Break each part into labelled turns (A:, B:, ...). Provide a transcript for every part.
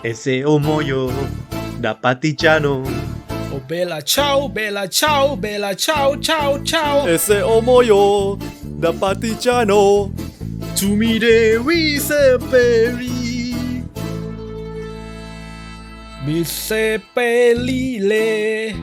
A: E se ho muoio da partigiano.
B: Oh bella ciao, bella ciao, bella ciao, ciao, ciao.
C: E se ho muoio da partigiano.
B: Tu mi devi seppellire. Mi seppellire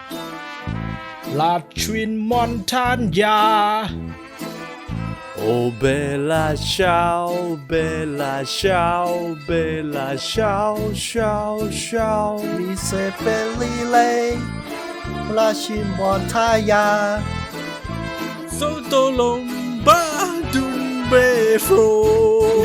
B: laggiù in montagna.
C: Oh bella ciao, bella ciao, bella ciao, ciao, ciao.
D: Mi seppellire lasci in montagna.
B: Sotto l'ombra d'un befo.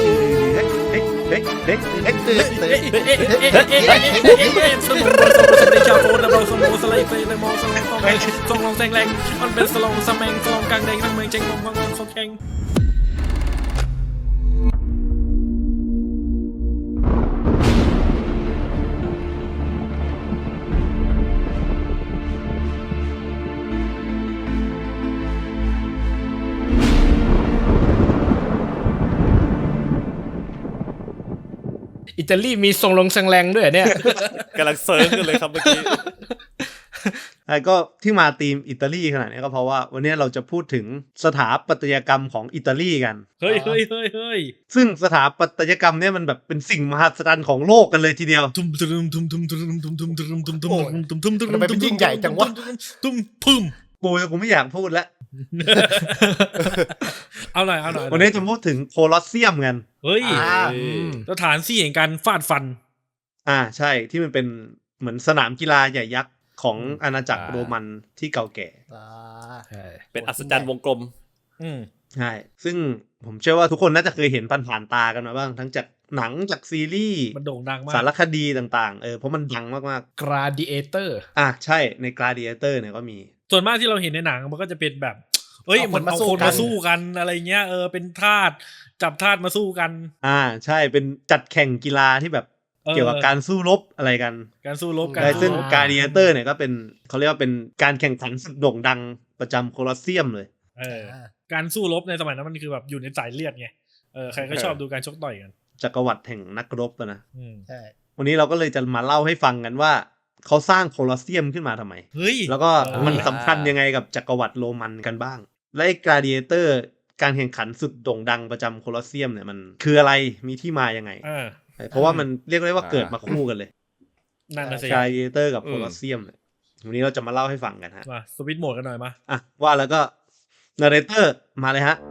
B: อิตาลีมีทรงลงแซงแรงด้วยเนี่ย
C: กำลังเซิร์ฟกันเลยครับเมื่อกี้
A: ก็ที่มาธีมอิตาลีขนาดนี้ก็เพราะว่าวันนี้เราจะพูดถึงสถาปัตยกรรมของอิตาลีกัน
B: เฮ้ย
A: ซึ่งสถาปัตยกรรมเนี่ยมันแบบเป็นสิ่งมหัศจรรย์ของโลกกันเลยทีเดียว
B: ทุ่มทุ่ม
D: ทำไมเป็นยิ่งใหญ่จังวะ
B: ทุ่มพึ่ม
A: กูไม่อยากพูดแล้ว
B: เอาหน่อย
A: วันนี้จะพูดถึงโคลอสเซียมกัน
B: เฮ้ย
D: อ่า
B: สถานที่แห่งการฟาดฟัน
A: ใช่ที่มันเป็นเหมือนสนามกีฬาใหญ่ยักษ์ของอาณาจักรโรมันที่เก่าแก่
C: เป็นอัศจรรย์วงกลม
A: ใช่ซึ่งผมเชื่อว่าทุกคนน่าจะเคยเห็นผ่านๆตากันมาบ้างทั้งจากหนังจากซีรีส์
B: มันโด่งดังมาก
A: สารคดีต่างๆเพราะมันดังมาก
B: Gladiator
A: ๆใช่ใน Gladiator เนี่ยก็มี
B: ส่วนมากที่เราเห็นในหนังมันก็จะเป็นแบบเหมือนเอาคนมาสู้กันอะไรเงี้ยเป็นทาสจับทาสมาสู้กัน
A: ใช่เป็นจัดแข่งกีฬาที่แบบเกี่ยวกับการสู้รบอะไรกัน
B: การสู้รบกัน
A: ใช่ซึ่ง Gladiator เนี่ยก็เป็นเขาเรียกว่าเป็นการแข่งขันสุดโด่งดังประจำโคลอสเซียมเลย
B: การสู้รบในสมัยนั้นมันคือแบบอยู่ในสายเลือดไงใครก็ชอบดูการชกต่อยกัน
A: จักรวรรดิแห่งนักรบนะ
D: ใช่
A: วันนี้เราก็เลยจะมาเล่าให้ฟังกันว่าเขาสร้างโคลอสเซียมขึ้นมาทำไม
B: เฮ้ย
A: แล้วก็มันสำคัญยังไงกับจักรวรรดิโรมันกันบ้าง และไอ้ Gladiator การแข่งขันสุดโด่งดังประจำโคลอสเซียมเนี่ยมันคืออะไรมีที่มายังไงเพราะว่ามันเรียกได้ว่าเกิดมาคู่กันเลย
B: นั่นนะสิ
A: Gladiator กับโคลอสเซียมเนี่ยวันนี้เราจะมาเล่าให้ฟังกันฮะ
B: มาสวิตช์โหมดกันหน่อยมา
A: ว่าแล้วก็ narrator มาเลยฮะ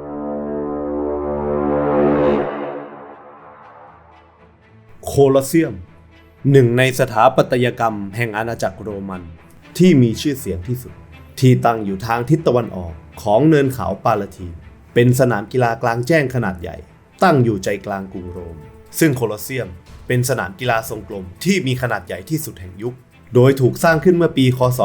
A: โคลอสเซียมหนึ่งในสถาปัตยกรรมแห่งอาณาจักรโรมันที่มีชื่อเสียงที่สุดที่ตั้งอยู่ทางทิศตะวันออกของเนินเขาปาลาทีนเป็นสนามกีฬากลางแจ้งขนาดใหญ่ตั้งอยู่ใจกลางกรุงโรมซึ่งโคลอสเซียมเป็นสนามกีฬาทรงกลมที่มีขนาดใหญ่ที่สุดแห่งยุคโดยถูกสร้างขึ้นเมื่อปีคศ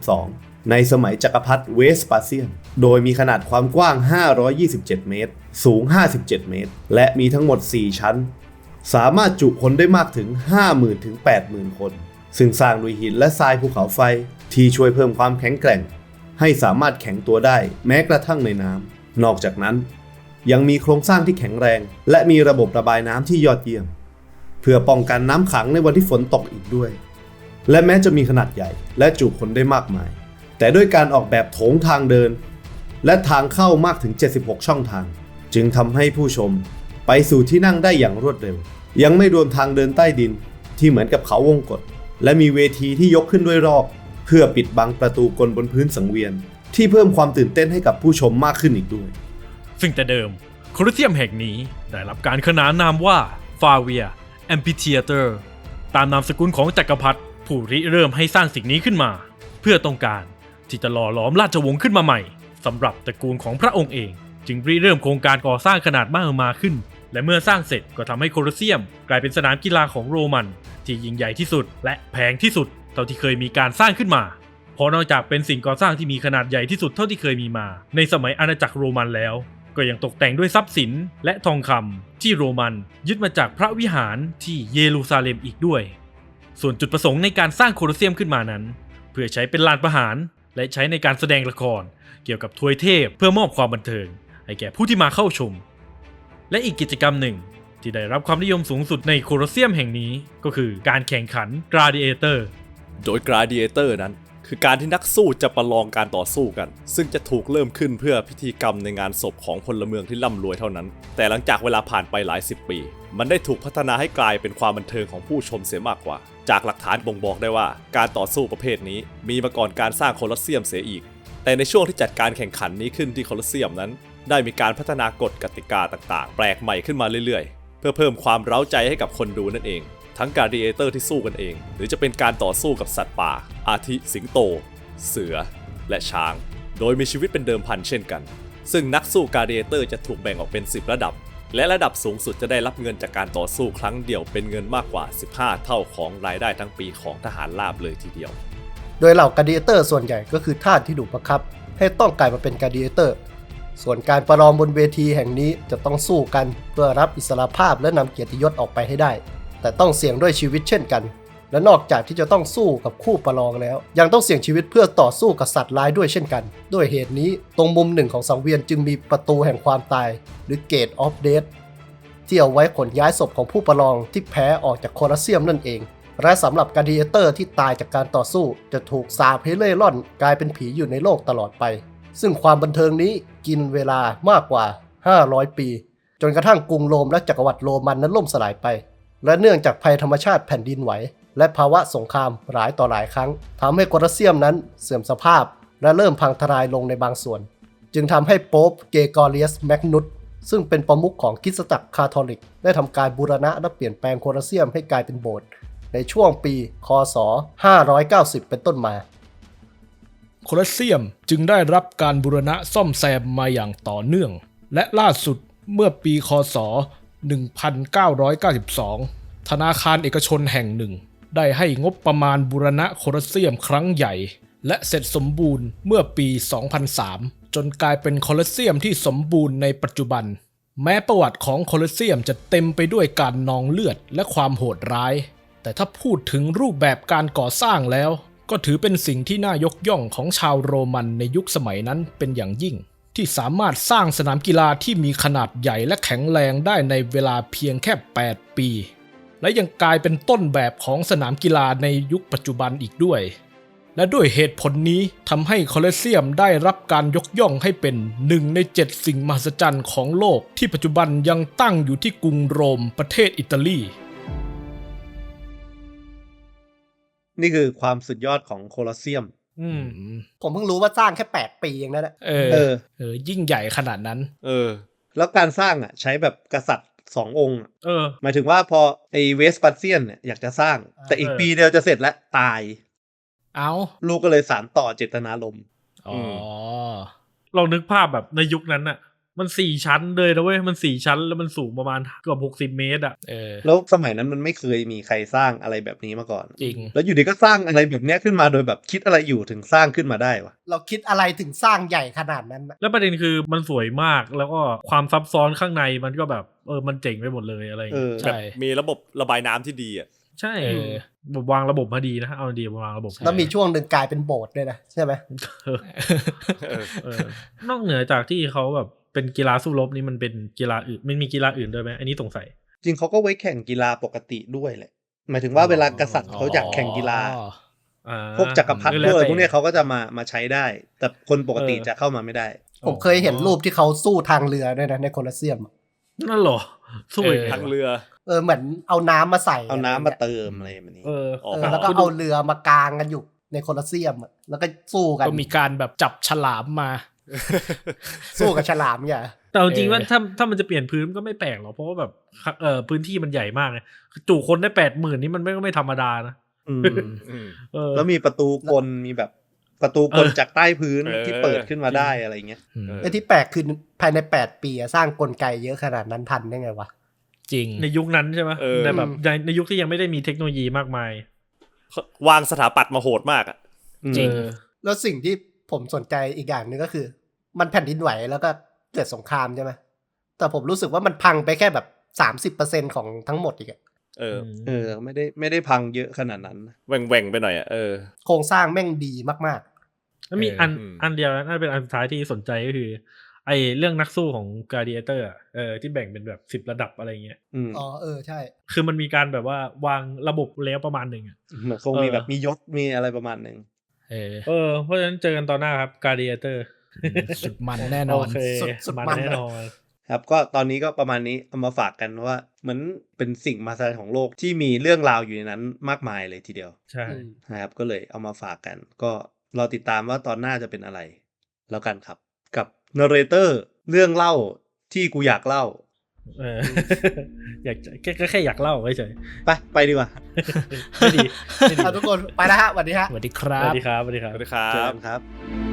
A: 72ในสมัยจักรพรรดิเวสปาเซียนโดยมีขนาดความกว้าง527เมตรสูง57เมตรและมีทั้งหมด4ชั้นสามารถจุคนได้มากถึง 50,000 ถึง 80,000 คนซึ่งสร้างด้วยหินและทรายภูเขาไฟที่ช่วยเพิ่มความแข็งแกร่งให้สามารถแข็งตัวได้แม้กระทั่งในน้ำนอกจากนั้นยังมีโครงสร้างที่แข็งแรงและมีระบบระบายน้ำที่ยอดเยี่ยมเพื่อป้องกันน้ำขังในวันที่ฝนตกอีกด้วยและแม้จะมีขนาดใหญ่และจุคนได้มากมายแต่ด้วยการออกแบบโถงทางเดินและทางเข้ามากถึง76ช่องทางจึงทำให้ผู้ชมไปสู่ที่นั่งได้อย่างรวดเร็วยังไม่รวมทางเดินใต้ดินที่เหมือนกับเขาวงกตและมีเวทีที่ยกขึ้นด้วยรอบเพื่อปิดบังประตูกลบนพื้นสังเวียนที่เพิ่มความตื่นเต้นให้กับผู้ชมมากขึ้นอีกด้วย
B: ซึ่งแต่เดิมโคลอสเซียมแห่งนี้ได้รับการขนานนามว่าฟาเวียแอมพิเทียเตอร์ตามนามสกุลของจักรพรรดิผู้ริเริ่มให้สร้างสิ่งนี้ขึ้นมาเพื่อต้องการที่จะหล่อหลอมราชวงศ์ขึ้นมาใหม่สำหรับตระกูลของพระองค์เองจึงริเริ่มโครงการก่อสร้างขนาดมหึมาขึ้นและเมื่อสร้างเสร็จก็ทำให้โคลอสเซียมกลายเป็นสนามกีฬาของโรมันที่ยิ่งใหญ่ที่สุดและแพงที่สุดเท่าที่เคยมีการสร้างขึ้นมาเพราะนอกจากเป็นสิ่งก่อสร้างที่มีขนาดใหญ่ที่สุดเท่าที่เคยมีมาในสมัยอาณาจักรโรมันแล้วก็ยังตกแต่งด้วยทรัพย์สินและทองคำที่โรมันยึดมาจากพระวิหารที่เยรูซาเล็มอีกด้วยส่วนจุดประสงค์ในการสร้างโคลอสเซียมขึ้นมานั้นเพื่อใช้เป็นลานประหารและใช้ในการแสดงละครเกี่ยวกับทวยเทพเพื่อมอบความบันเทิงให้แก่ผู้ที่มาเข้าชมและอีกกิจกรรมหนึ่งที่ได้รับความนิยมสูงสุดในโคลอสเซียมแห่งนี้ก็คือการแข่งขัน Gladiator
C: โดย Gladiator นั้นคือการที่นักสู้จะประลองการต่อสู้กันซึ่งจะถูกเริ่มขึ้นเพื่อพิธีกรรมในงานศพของพลเมืองที่ร่ำรวยเท่านั้นแต่หลังจากเวลาผ่านไปหลาย10 ปีมันได้ถูกพัฒนาให้กลายเป็นความบันเทิงของผู้ชมเสียมากกว่าจากหลักฐานบ่งบอกได้ว่าการต่อสู้ประเภทนี้มีมาก่อนการสร้างโคลอสเซียมเสียอีกแต่ในช่วงที่จัดการแข่งขันนี้ขึ้นที่โคลอสเซียมนั้นได้มีการพัฒนากฎกติกาต่างๆแปลกใหม่ขึ้นมาเรื่อยๆเพื่อเพิ่มความเร้าใจให้กับคนดูนั่นเองทั้งกลาดิเอเตอร์ที่สู้กันเองหรือจะเป็นการต่อสู้กับสัตว์ป่าอาทิสิงโตเสือและช้างโดยมีชีวิตเป็นเดิมพันเช่นกันซึ่งนักสู้กลาดิเอเตอร์จะถูกแบ่งออกเป็น10 ระดับและระดับสูงสุดจะได้รับเงินจากการต่อสู้ครั้งเดียวเป็นเงินมากกว่า15 เท่าของรายได้ทั้งปีของทหารราบเลยทีเดียว
D: โดยเหล่ากา a ดิเอเตอร์ส่วนใหญ่ก็คือทาสที่ถูกบังคับให้ต้องกลายมาเป็นกา a ดิเอเตอร์ส่วนการประลองบนเวทีแห่งนี้จะต้องสู้กันเพื่อรับอิสรภาพและนำเกียรติยศออกไปให้ได้แต่ต้องเสี่ยงด้วยชีวิตเช่นกันและนอกจากที่จะต้องสู้กับคู่ประลองแล้วยังต้องเสี่ยงชีวิตเพื่อต่อสู้กับสัตว์ร้ายด้วยเช่นกันด้วยเหตุนี้ตรงมุมหนึ่งของสังเวียนจึงมีประตูแห่งความตายหรือ Gate of Death ที่เอาไว้ขนย้ายศพของผู้ประลองที่แพ้ออกจากโคลอสเซียมนั่นเองและสำหรับกา a ดิเอเตอร์ที่ตายจากการต่อสู้จะถูกสาปให้เล่ร่อนกลายเป็นผีอยู่ในโลกตลอดไปซึ่งความบันเทิงนี้กินเวลามากกว่า500 ปีจนกระทั่งกรุงโรมและจักรวรรดิโรมันนั้นล่มสลายไปและเนื่องจากภัยธรรมชาติแผ่นดินไหวและภาวะสงครามหลายต่อหลายครั้งทำให้โคลอสเซียมนั้นเสื่อมสภาพและเริ่มพังทลายลงในบางส่วนจึงทำให้โป๊ปเกรกอเรียสแมกนุสซึ่งเป็นประมุขของคริสตจักรคาทอลิกได้ทำการบูรณะและเปลี่ยนแปลงโคลอสเซียมให้กลายเป็นโบสถ์ในช่วงปีคศ590เป็นต้นมา
E: โคลอสเซียมจึงได้รับการบูรณะซ่อมแซมมาอย่างต่อเนื่องและล่าสุดเมื่อปีคศ1992ธนาคารเอกชนแห่งหนึ่งได้ให้งบประมาณบูรณะโคลอสเซียมครั้งใหญ่และเสร็จสมบูรณ์เมื่อปี 2003 จนกลายเป็นโคลอสเซียมที่สมบูรณ์ในปัจจุบันแม้ประวัติของโคลอสเซียมจะเต็มไปด้วยการนองเลือดและความโหดร้ายแต่ถ้าพูดถึงรูปแบบการก่อสร้างแล้วก็ถือเป็นสิ่งที่น่ายกย่องของชาวโรมันในยุคสมัยนั้นเป็นอย่างยิ่งที่สามารถสร้างสนามกีฬาที่มีขนาดใหญ่และแข็งแรงได้ในเวลาเพียงแค่8 ปีและยังกลายเป็นต้นแบบของสนามกีฬาในยุคปัจจุบันอีกด้วยและด้วยเหตุผลนี้ทำให้โคลอสเซียมได้รับการยกย่องให้เป็น1 ใน 7 สิ่งมหัศจรรย์ของโลกที่ปัจจุบันยังตั้งอยู่ที่กรุงโรมประเทศอิตาลี
A: นี่คือความสุดยอดของโคลอสเซียม
D: ผมเพิ่งรู้ว่าสร้างแค่8 ปีเองนะเนี่ย
E: ยิ่งใหญ่ขนาดนั้น
A: แล้วการสร้างใช้แบบกษัตริย์2 องค์หมายถึงว่าพอไอเวสปัสเซียนเนี่ยอยากจะสร้างแต่อีกปีเดียวจะเสร็จแล้วตายลูกก็เลยสานต่อเจตนารมณ์
B: ลองนึกภาพแบบในยุคนั้นน่ะมัน4 ชั้นเลยนะเว้ยมัน4 ชั้นแล้วมันสูงประมาณเกือบ60 เมตร
A: แล้วสมัยนั้นมันไม่เคยมีใครสร้างอะไรแบบนี้มาก่อน
E: จริง
A: แล้วอยู่ดีก็สร้างอะไรแบบนี้ขึ้นมาโดยแบบคิดอะไรอยู่ถึงสร้างขึ้นมาได้วะ
D: เราคิดอะไรถึงสร้างใหญ่ขนาดนั้น
B: แล้วประเด็นคือมันสวยมากแล้วก็ความซับซ้อนข้างในมันก็แบบมันเจ๋งไปหมดเลยอะไร
C: แบบมีระบบระบายน้ำที่ดี
B: ใช่วางระบบมาดีนะเอาดีวางระบบ
D: แล้วมีช่วงหนึ่งกลายเป็นโบสถ์ด้วยนะใช่ไหม
B: นอกเหนือจากที่เขาแบบเป็นกีฬาสู้รบนี่มันเป็นกีฬาอื่นมันมีกีฬาอื่นด้วยไหมอันนี้สงสัย
A: จริงเขาก็ไว้แข่งกีฬาปกติด้วยแหละหมายถึงว่าเวลากษัตริย์เขาอยากแข่งกีฬาพวกจักรพรรดิด้วยพวกนี้เขาก็จะมาใช้ได้แต่คนปกติจะเข้ามาไม่ได้
D: ผมเคยเห็นรูปที่เขาสู้ทางเรือด้วยนะในโคลอสเซียม
B: นั่นหรอสู้
C: ทางเรือ
D: เหมือนเอาน้ำมาใส่
A: เอาน้ำมาเติมอะไรแบบนี้
D: แล้วก็เอาเรือมากางกันอยู่ในโคลอสเซียมแล้วก็สู้กัน
E: ก็มีการแบบจับฉลามมา
D: สู้กับฉลามเนี่ย
B: แต่จริงว่าถ้ามันจะเปลี่ยนพื้นก็ไม่แปลกหรอกเพราะว่าแบบพื้นที่มันใหญ่มากเลยจุคนได้ 80,000 นี่มันไม่ธรรมดานะ
A: แล้วมีประตูกลมีแบบประตูกลจากใต้พื้นที่เปิดขึ้นมาได้อะไรเงี้ย
D: ที่แปลกคือภายใน8 ปีสร้างกลไกเยอะขนาดนั้นทันได้ไงวะ
E: จริง
B: ในยุคนั้นใช่ไหมในแบบในยุคที่ยังไม่ได้มีเทคโนโลยีมากมา
C: ยวางสถาปัตย์มาโหดมาก
D: จริงแล้วสิ่งที่ผมสนใจอีกอย่างนึงก็คือมันแผ่นดินไหวแล้วก็เกิดสงครามใช่ไหมแต่ผมรู้สึกว่ามันพังไปแค่แบบ 30% ของทั้งหมดอีก
A: ไม่ได้พังเยอะขนาดนั้น
C: แหว่งไปหน่อย
D: โครงสร้างแม่งดีมาก
B: ๆแล้วมีอันเดียวน่าเป็นอันสุดท้ายที่สนใจก็คือไอเรื่องนักสู้ของ Gladiator อ่ะที่แบ่งเป็นแบบ10ระดับอะไรเงี้ย
D: อ๋อใช่
B: คือมันมีการแบบว่าวางระบบแล้วประมาณหนึ่งอ่ะ
A: เหมือนคงมีแบบมียศมีอะไรประมาณหนึ่ง
B: เพราะฉะนั้นเจอกันตอนหน้าครับ Gladiator
E: สุดมันแน่นอน
B: โอเค
D: สุด
B: มัน
D: มัน
B: แน่นอน
A: ครับก็ตอนนี้ก็ประมาณนี้เอามาฝากกันว่าเหมือนเป็นสิ่งมหัศจรรย์ของโลกที่มีเรื่องราวอยู่ในนั้นมากมายเลยทีเดียว
B: ใช่
A: นะครับก็เลยเอามาฝากกัน ก็รอติดตามว่าตอนหน้าจะเป็นอะไร แล้วกันครับ กับนาร์เรเตอร์เรื่องเล่าที่กูอยากเล่า
B: อยากก็แค่อยากเล่าเฉย
A: ไปดีกว่า
B: ไม่ดี
D: ทุกคนไปแล้วฮะสวัสดีฮะ
E: สวัสดีครั
B: สวั
E: บ
B: สดีครับสวัสดีครับ
C: สวัสดีครั
A: เจอบ กันครับ